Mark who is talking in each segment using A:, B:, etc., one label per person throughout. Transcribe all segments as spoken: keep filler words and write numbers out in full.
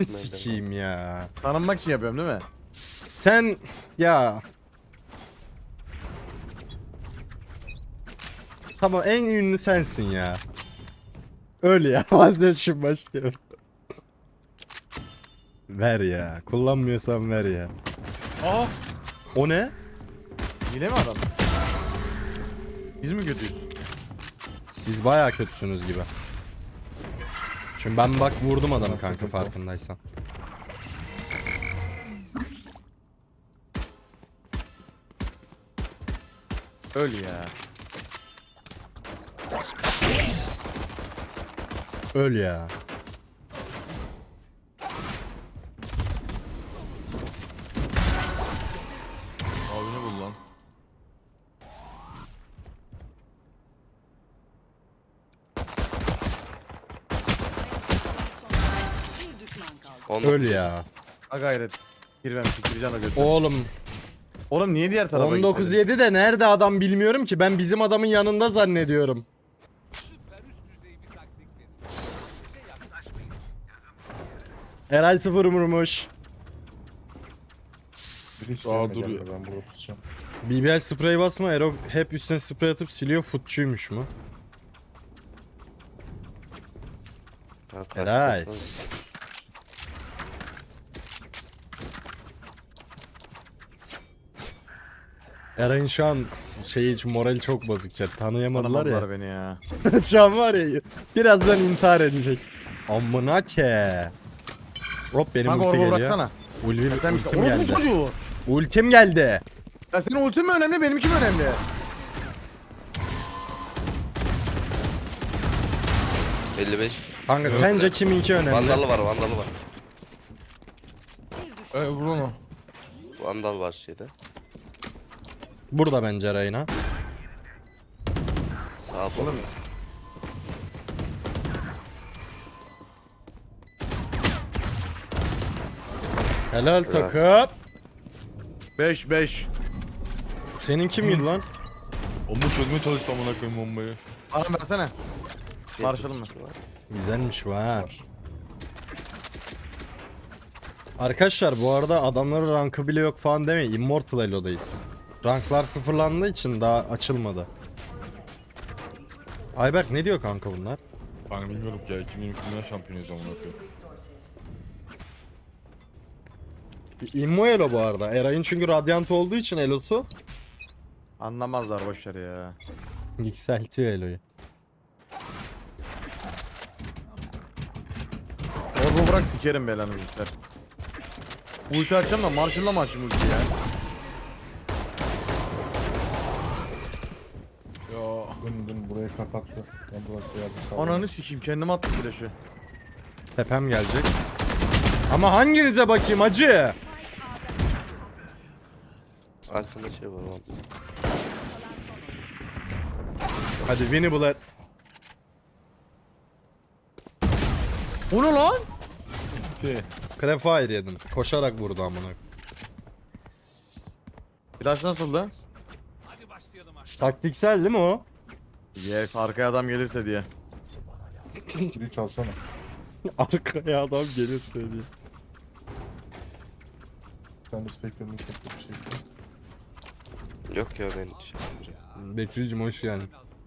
A: Sikiyim ya.
B: Tanınmak için yapıyorum değil mi?
A: Sen ya. Tamam, en ünlü sensin ya. Öyle ya. Vazgeçim başlıyorum. Ver ya. Kullanmıyorsan ver ya.
B: Aa.
A: O ne?
B: Hile mi adam? Biz mi kötüyüz?
A: Siz bayağı kötüsünüz gibi. Çünkü ben bak vurdum adamı kanka, farkındaysan.
B: Öl ya.
A: Öl ya.
B: Abini bul lan.
C: On
A: Öl ya.
B: Ha gayret. Girmem sikireceğim o götü.
A: Oğlum
B: Oğlum niye diğer tarafa
A: on dokuz
B: gitmedin?
A: yedi de nerede adam bilmiyorum ki. Ben bizim adamın yanında zannediyorum. Eray sıfır vurmuş.
D: Aa dur ya, ben burada tutacağım.
A: B B L sprey basma, Ero hep üstüne sprey atıp siliyor, futçuymuş mu?
C: Ha,
A: Eray.
C: kasmasana.
A: Eray'ın şu an şeyi için morali çok bozuk chat. Tanıyamadılar ya.
B: Tanımadılar beni ya.
A: Şu an var ya, birazdan intihar edecek. Amına ke. Hop benim
B: Kanka
A: ulti
B: orba
A: geliyor.
B: bıraksana.
A: Ulvi,
B: Sen
A: ultim
B: Orospu
A: geldi.
B: çocuğu.
A: Ultim geldi.
B: Ya senin ultin mi önemli benimki mi önemli?
C: elli beş.
A: Kanka sence kiminki önemli?
C: Vandalı var, vandalı var.
B: Ee, Bruno.
C: Vandal var şeyde.
A: Burada bence Eray'ına.
C: Sağ bol.
A: Helal takım.
B: beş beş.
A: Seninki miydi lan?
D: Onu çözmeye çalıştım amına koyayım bombayı.
B: Bana versene. Marshall'ım mı?
A: Güzelmiş var. Arkadaşlar bu arada adamların rankı bile yok falan demeyin. Immortal Elo'dayız. Ranklar sıfırlandığı için daha açılmadı. Ayberk ne diyor kanka bunlar?
D: Ben bilmiyorum ki ya, iki bin yirmi Dünya Şampiyonuyuz amına koyayım.
A: Immo Elo bu arada. Eray'ın çünkü Radiant olduğu için Elo'su
B: Anlamazlar boşver ya.
A: yükseltiyor Elo'yu.
B: Orba bırak sikerim belanı işler. Ulti açacağım da Marshall'la mı açayım ulti ya?
D: Ya dün dün burayı kapattı. Ben burası yardım sağ
B: Ananı sikeyim kendime attım flash'ı.
A: Tepem gelecek. Ama hanginize bakayım acı?
C: Arkanda şey var vandal.
A: Hadi Winnie Blood.
B: Bu ne lan?
D: Ki
A: Crafire yedim. Koşarak vurdu amına.
B: Flash nasıldı?
A: Taktiksel değil mi o?
B: Yes arkaya adam gelirse diye.
D: kili çalsana.
A: Arkaya adam gelir söylüyor.
D: Sen de Spectre'ın çok bir şeysin.
C: Yok ya ben şey yapmayacağım.
A: Bekir'cim hoş geldin.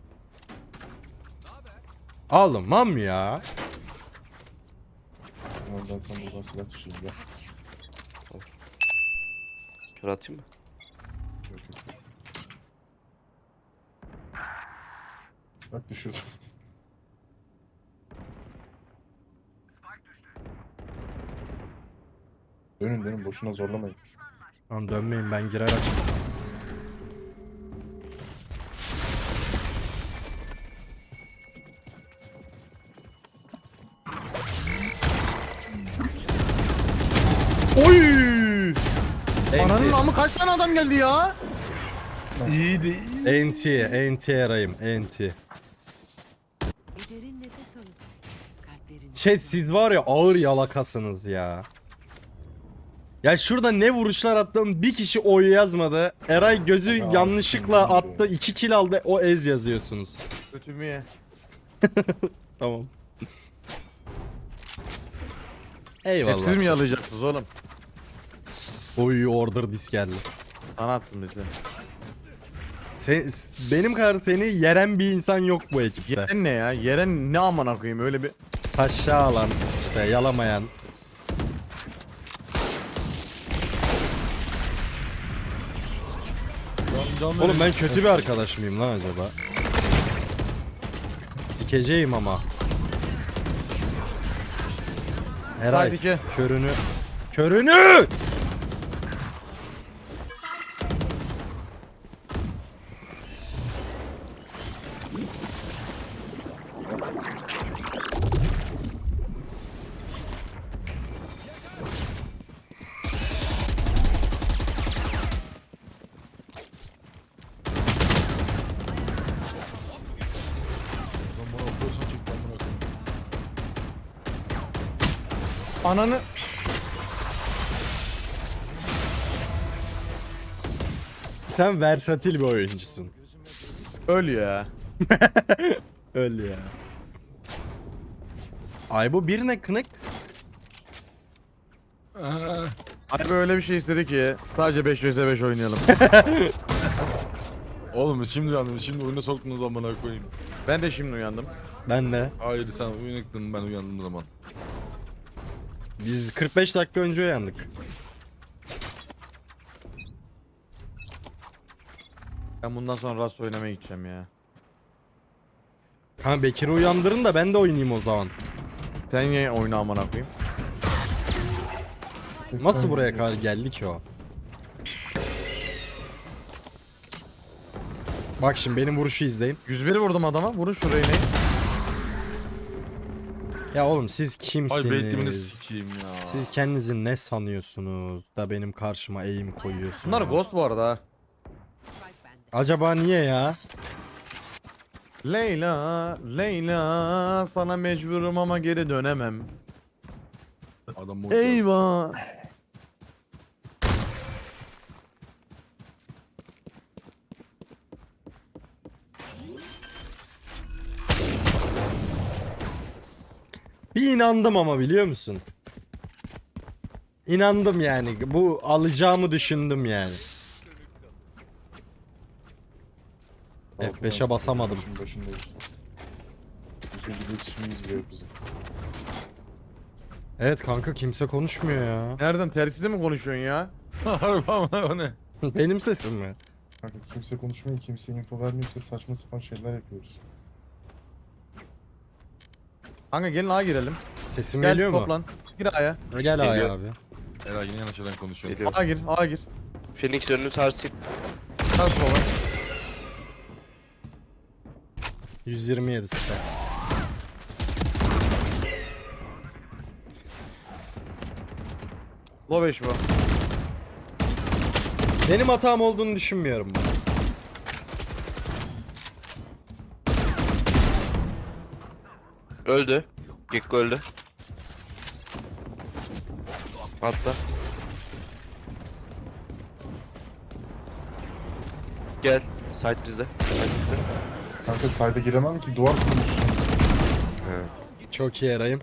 A: Almam ya.
D: Ondan sen buradan silah düşeyim ya.
C: Kör atayım mı?
D: Yok yok. Bak düşürdüm. Dönün dönün, boşuna zorlamayın.
A: Tamam dönmeyin, ben girer açayım. Oy!
B: Ananın amı kaç tane adam geldi ya?
D: İyi de iyi.
A: Enti, enti arayayım, enti.
E: Bir derin nefes alıp kalplerini
A: Chat siz var ya ağır yalakasınız ya. Ya şurada ne vuruşlar attım, bir kişi oy yazmadı. Eray gözü
D: Ya,
A: yanlışlıkla
D: kim
A: attı, iki kill aldı, o ez yazıyorsunuz.
B: Kötümü ye.
A: Tamam. Eyvallah.
B: Hepsini mi yalayacaksınız oğlum?
A: Oy order dis geldi.
B: Sana attım bizi.
A: Sen, benim kadar seni yeren bir insan yok bu ekipte.
B: Yeren ne ya? Yeren ne amına koyayım öyle bir...
A: Taşa alan, işte yalamayan. Oğlum ben kötü bir arkadaş mıyım lan acaba? Sikeceğim ama. Eray,
B: Haydi ki.
A: körünü. Körünü!
D: Ben bana okuyorsan çek ben bunu okuyayım.
B: Ananı...
A: Sen versatil bir oyuncusun.
B: Öl ya.
A: Öl ya. Ay bu bir ne kınık?
D: Aa,
B: Abi öyle bir şey istedi ki sadece beş vs beş oynayalım.
D: Oğlum şimdi uyandım. Şimdi oyuna soktunuz zamana koyayım.
B: Ben de şimdi uyandım.
A: Ben de.
D: Hayır sen uyanıktın ben uyandım zaman.
A: Biz kırk beş dakika önce uyandık.
B: Ben bundan sonra Rust oynamaya gideceğim ya.
A: Kanka Bekir'i uyandırın da ben de oynayayım o zaman.
B: Sen niye oyna amına koyayım?
A: Nasıl buraya kadar geldi ki o? Bak şimdi benim vuruşu izleyin.
B: yüz bir vurdum adama. Vurun şurayı ne?
A: Ya oğlum siz
D: Ay beklemini
A: kimsiniz?
D: sikeyim ya.
A: Siz kendinizi ne sanıyorsunuz da benim karşıma eğim koyuyorsunuz?
B: Bunlar ghost bu arada ha.
E: Spike bende.
A: Acaba niye ya?
B: Leyla, Leyla sana mecburum ama geri dönemem.
D: Adam boş
B: Eyvah.
A: Bir inandım ama biliyor musun? İnandım yani. Bu alacağımı düşündüm yani. F beşe basamadım.
D: Şimdi başındayız. Bir şekilde iletişimimiz bile yok bizim.
A: Evet kanka kimse konuşmuyor ya.
B: Nereden terside mi konuşuyorsun ya?
D: Harbi ama o ne?
A: Benim sesim mi?
D: Kanka kimse konuşmuyor, kimse info vermiyorsa saçma sapan şeyler yapıyoruz.
B: Kanka gelin A'ya girelim.
A: Sesim
B: Gel
A: geliyor mu?
B: toplan. Gir A'ya.
A: Gel Aya
C: Geliyor.
A: abi.
D: Eray yine yanlış yerden konuşuyor.
C: Geliyor.
B: A'ya gir, A'ya gir.
C: Phoenix önünü sarsayım.
B: Sağ sola.
A: yüz yirmi yedi sıfır.
B: Low beş bu.
A: Benim hatam olduğunu düşünmüyorum ben.
C: Öldü. Gekko öldü. Atla. Gel. Site bizde. Site bizde.
D: Kanka sayda giremem ki duvar kurmuş.
C: He.
A: Çok iyi Eray'ım.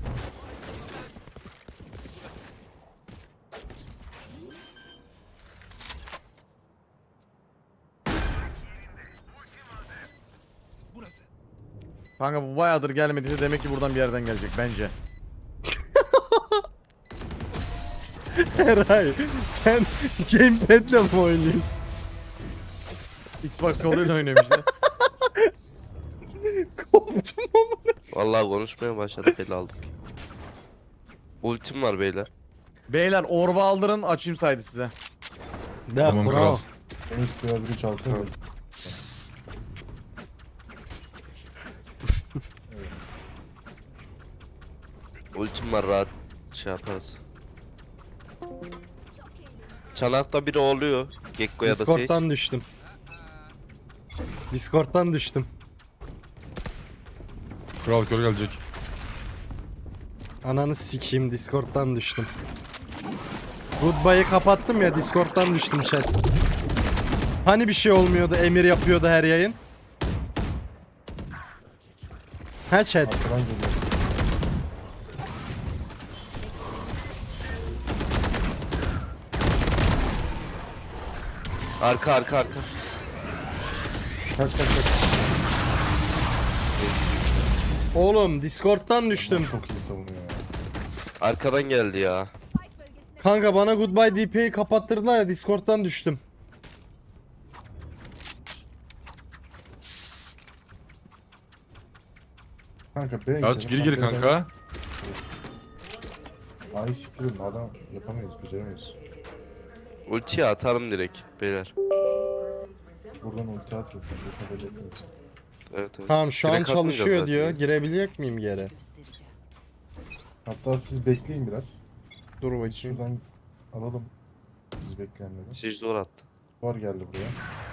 B: Kanka bu bayağıdır gelmediyse demek ki buradan bir yerden gelecek bence.
A: Eray sen gamepad'le mi oynuyorsun?
B: Xbox koluyla oynuyorum işte.
A: Koptum ama.
C: Vallahi konuşmaya başladık el aldık. Ultim var beyler.
B: Beyler orba aldırın açayım saydı size.
A: De
D: Tamam,
A: pro.
D: kral. Benim sıra biri çalsana.
C: Ultim var rahat şey yaparız. Çanakta biri oluyor. Gekko ya da Sage.
A: Discord'dan düştüm. Discord'dan düştüm.
D: Kral kör gelecek.
A: Ananı sikeyim Discord'dan düştüm. Goodbye'ı kapattım ya Discord'dan düştüm chat. Hani bir şey olmuyordu emir yapıyordu her yayın. Ha chat.
D: Arkadan geliyor.
C: Arka arka arka.
D: Kaç kaç kaç.
A: Oğlum Discord'dan düştüm.
D: Çok iyi savunuyor ya.
C: Arkadan geldi ya.
A: Kanka bana Goodbye D P'yi kapattırdılar ya, Discord'dan düştüm.
D: Kanka B
F: Ya gir gir kanka.
D: Ay siktirin adam yapamayız, beceremiyoruz.
C: Ultiyi atarım direkt beyler.
D: Buradan ulti atıyor. Yapabilecekmiyoruz.
C: Evet evet.
A: Tamam şu an
C: Direkt atınca
A: çalışıyor
C: zaten.
A: diyor. Girebilecek miyim geri?
E: Göstereceğim.
D: Hatta siz bekleyin biraz.
A: Dur bakayım.
D: Şuradan alalım. Siz bekleyenleri.
C: Siz zor attı.
D: Var geldi buraya.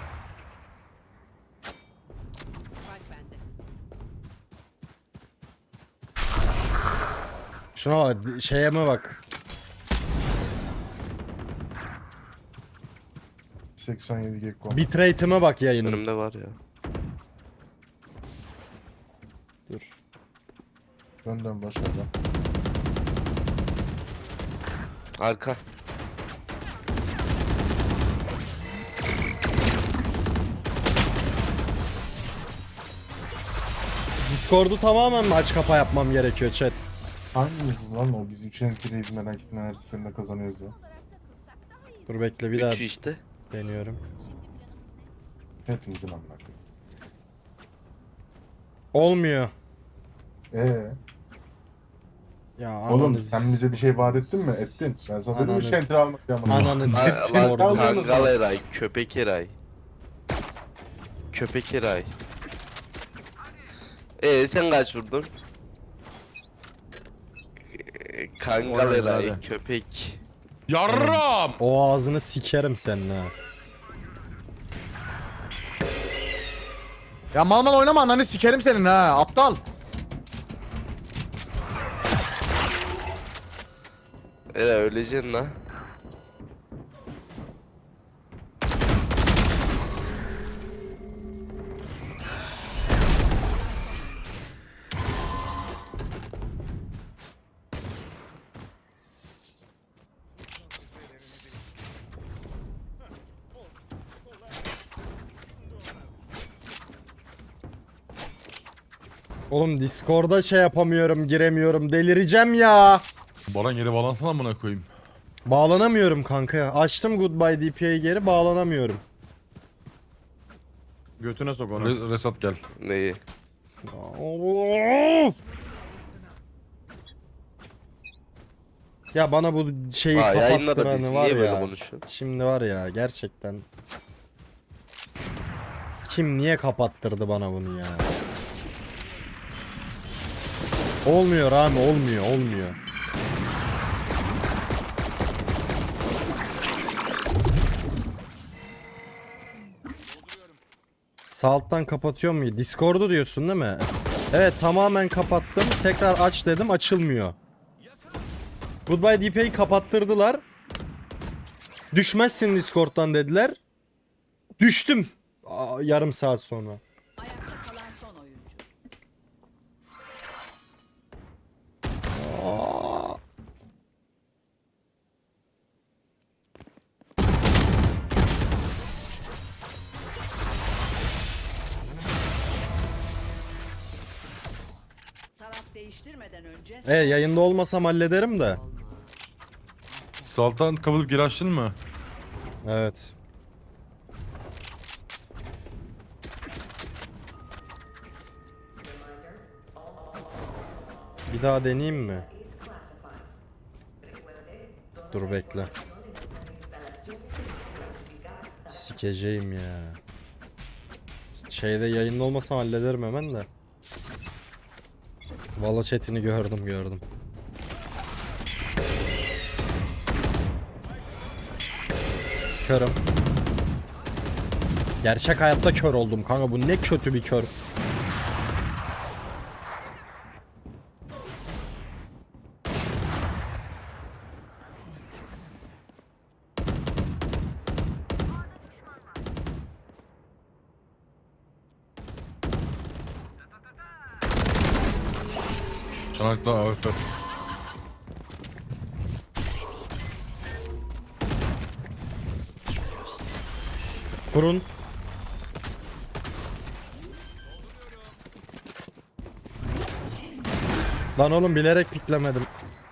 E: Spike bende.
A: Şuna bak, şeye mi bak.
D: seksen yedi gekko.
A: Bitrate'ime bak yayının.
C: Önümde var ya.
A: Dur.
D: Önden başlayacağım.
C: Arka.
A: Discord'u tamamen mi aç kapa yapmam gerekiyor chat?
D: Hangimiz lan o? Biz üç entry'yiz merak etme, her seferinde kazanıyoruz ya.
A: Dur bekle bir daha
C: Üç işte.
A: deniyorum.
D: Hepimizin amına koyayım.
A: Olmuyor.
D: Ee,
A: Ya
D: oğlum
A: ananı
D: sen bize bir şey vaat ettin mi? Ettin. Ben sana dedim mi
A: Ananı-
D: üç entry almak ya.
A: Ananı
C: Lan
A: Discord'u.
C: Kangal Eray, köpek Eray. Köpek Eray. Ee sen kaç vurdun? Ee, Kangal
B: Oraya
C: Eray,
B: hadi.
C: köpek.
F: Yarram.
A: O ağzını sikerim senin ha.
B: Ya mal mal oynama, ananı sikerim senin ha aptal.
C: Eray öleceksin lan.
A: Oğlum Discord'a şey yapamıyorum, giremiyorum. Delireceğim ya.
F: Baran geri bağlansana amına koyayım.
A: Bağlanamıyorum kanka. Açtım Goodbye D P'yi geri, bağlanamıyorum.
B: Götüne sok onu.
F: Re- Resat gel.
C: Neyi?
A: Ya bana bu şeyi
C: Aa yayınla da biz
A: kapattıranı var
C: niye böyle
A: ya.
C: konuşuyorsun?
A: Şimdi var ya gerçekten. Kim niye kapattırdı bana bunu ya? Olmuyor abi, olmuyor, olmuyor. Sağ alttan kapatıyor mu? Discord'u diyorsun değil mi? Evet tamamen kapattım. Tekrar aç dedim, açılmıyor. Goodbye D P'yi kapattırdılar. Düşmezsin Discord'dan dediler. Düştüm. Aa, yarım saat sonra.
E: Ayakta kalan son oyuncu.
A: Aa.
E: Taraf değiştirmeden önce
A: E yayında olmasam hallederim de.
F: Saltan kapatıp geri açtın mı?
A: Evet. Bir daha deneyeyim mi? Dur bekle. Sikeceğim ya. Şeyde yayında olmasam hallederim hemen de. Valla chatini gördüm gördüm. Körüm. Gerçek hayatta kör oldum kanka, bu ne kötü bir kör.
F: Çanakta A F P.
A: Kurun. Lan oğlum bilerek piklemedim.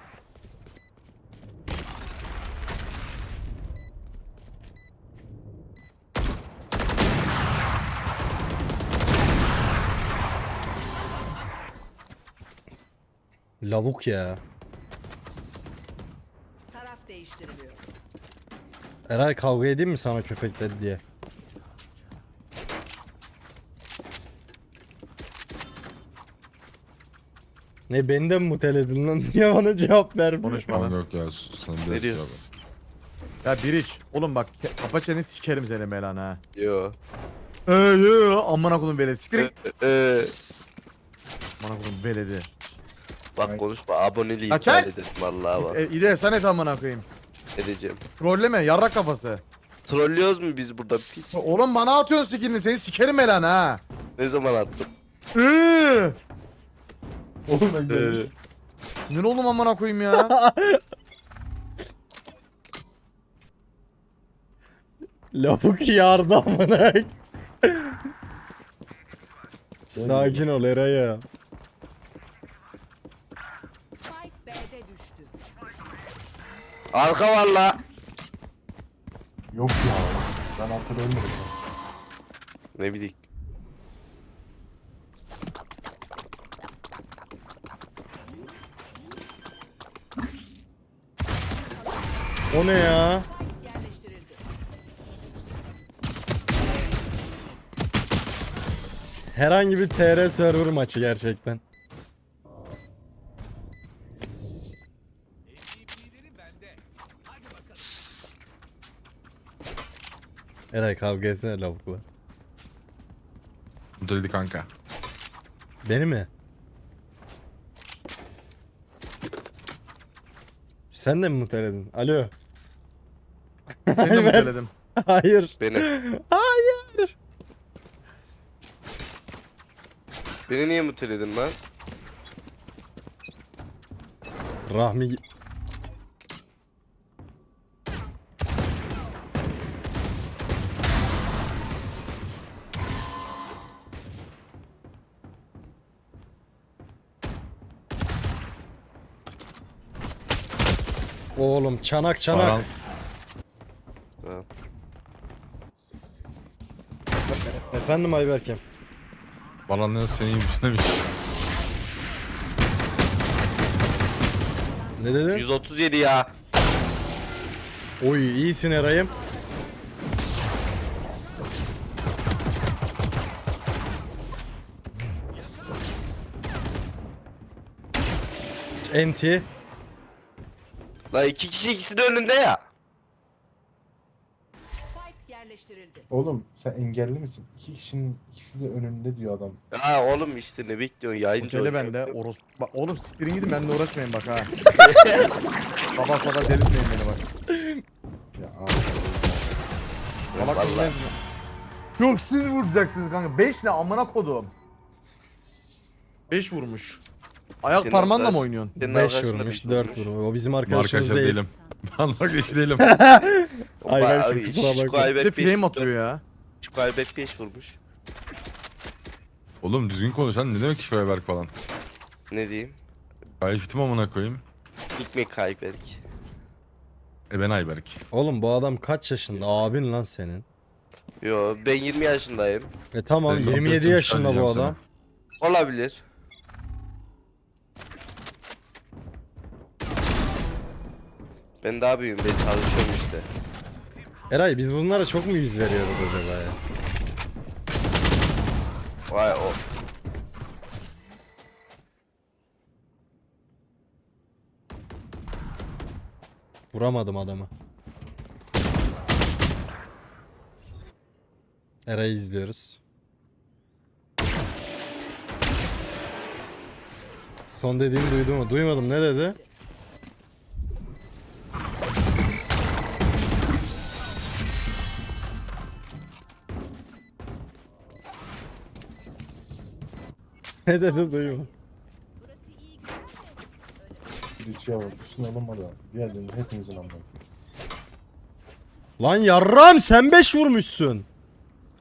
A: Lavuk ya.
E: Taraf değiştiriliyor.
A: Eray kavga edeyim mi sana köpek dedi diye. Ne beni de mi muteledin lan? Niye bana cevap vermiyor?
B: Konuşma
F: Tamam
B: lan.
F: yok ya sus, sana
C: Ne
F: bir
C: diyor?
F: abi.
B: Ya Biriç. Oğlum bak ke- kapa çeneni sikerim seni Melan ha.
C: Yo.
B: Eee eee amına koydum veledi. Siktir git.
C: Ee,
B: Amına koydum veledi.
C: bak konuşma aboneliği
B: Ya
C: iptal
B: kes!
C: ederim vallahi bak
B: E, İde sen et amına koyayım.
C: edeceğim.
B: Trolleme yarrak kafası.
C: Trollüyoruz mu biz burada piç?
B: Oğlum bana atıyorsun skillini seni sikerim Melan ha.
C: Ne zaman attın?
B: Eee.
D: Oğlum ben
C: Ee,
D: geldim.
B: Ne oğlum amına koyayım ya.
A: Lavuk yardı amına. Sakin ol Eray ya.
E: Spike B'de düştü.
C: Arka var la.
D: Yok ya. Ben arkada ölmedim.
C: Ne bileyim.
A: O ne ya?
E: Yerleştirildi.
A: Herhangi bir T R server maçı gerçekten. Eray kavga etsene lavukla.
F: Mutluydu kanka.
A: Beni mi? Sen de mi muteledin? Alo.
B: Seni de muteledim.
A: Hayır.
C: Beni.
A: Hayır.
C: Beni niye muteledin lan?
A: Rahmi Oğlum çanak çanak.
F: Baran,
C: Ha.
A: Efendim Ayberk'im.
F: Baran ne seni iyiymiş demiş.
A: Ne dedin?
C: yüz otuz yedi ya.
A: Oy iyisin Eray'ım. Enti.
C: La iki kişi ikisi de önünde ya.
E: Spike yerleştirildi.
D: Oğlum sen engelli misin? İki kişinin ikisi de önünde diyor adam.
C: Ha oğlum işte ne bekliyorsun yayıncı
B: Otele
C: oynuyor.
B: bende oros. Bak oğlum siktirin gidin benimle uğraşmayın bak ha. Baba sada delirtmeyin beni bak.
D: Ya abi.
B: Salak
C: Vallahi.
B: mısınız? Yok siz vuracaksınız kanka. beş ne amına kodum. beş vurmuş. Ayak
C: Senin
B: parmağınla mı
C: arkadaş-
B: oynuyorsun?
C: Senin
A: beş
C: arkadaşın da
A: vurmuş,
C: beş
A: dört vurmuş. O bizim arkadaşımız
F: Arkadaşlar
A: değil.
F: değilim. Ben arkadaş değilim.
A: Ayberk'im
C: Ay,
A: kusura
C: Şişko
A: bakma.
B: Bir
C: Ayberk
B: de
C: beş-
B: flame atıyor ya.
C: Şişko Ayberk beş vurmuş.
F: Oğlum düzgün konuş lan, ne demek ki şöyle berk falan.
C: Ne diyeyim?
F: Gayet fitim amına koyayım.
C: Hikmet Ayberk.
F: E ben Ayberk.
A: Oğlum bu adam kaç yaşında? Abin lan senin.
C: Yo ben yirmi yaşındayım.
A: E tamam
F: Ben
A: yirmi yedi
F: komplo
A: yaşında bu
F: diyeceğim
A: adam.
C: Olabilir. Ben daha büyüğüm, ben çalışıyorum işte.
A: Eray biz bunlara çok mu yüz veriyoruz acaba ya?
C: Vay o.
A: Vuramadım adamı. Eray'ı izliyoruz. Son dediğini duydum mu? Duymadım. Ne dedi? Ne dedi duymadım.
D: Bir içi var. Üstüne alınmadı abi. Diğerlerini hepinizin anlamı.
A: Lan yarram sen beş vurmuşsun.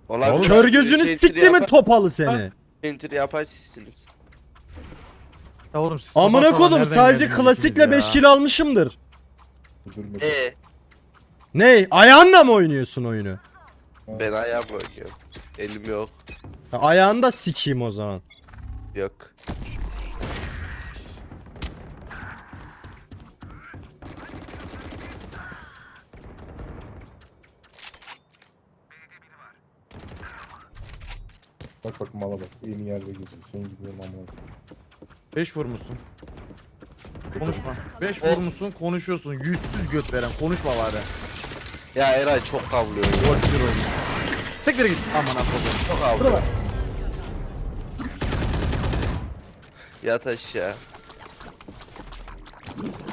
C: Olabilir.
F: Oğlum,
A: Kör
C: Siz
A: gözünü
C: entry
A: sikti mi
C: yapa-
A: topalı seni?
C: Entry yapan sizsiniz.
B: Ya oğlum siz sabah
A: Amına
B: sabah
A: kodum
B: nereden
A: sadece
B: geldiniz
A: klasikle
B: ikiniz
A: beş
B: ya?
A: kilo almışımdır.
D: Üzülme.
C: Ee,
A: Ne? Ayağınla mı oynuyorsun oyunu?
C: ben ayağımla oynuyorum. Elim yok.
A: Ha, ayağını da sikeyim o zaman.
C: Yok.
D: Bak bak mala bak. En yerde geziyor. Senin gidiyorum amına.
B: beş vurmuşsun. Konuşma. beş vurmuşsun konuşuyorsun. Yüzsüz göt veren konuşma bari.
C: Ya Eray çok kavlıyor.
B: Gol bir oyun. Sektere git. Aman kodum.
C: Çok kavlıyor. Yat aşağı.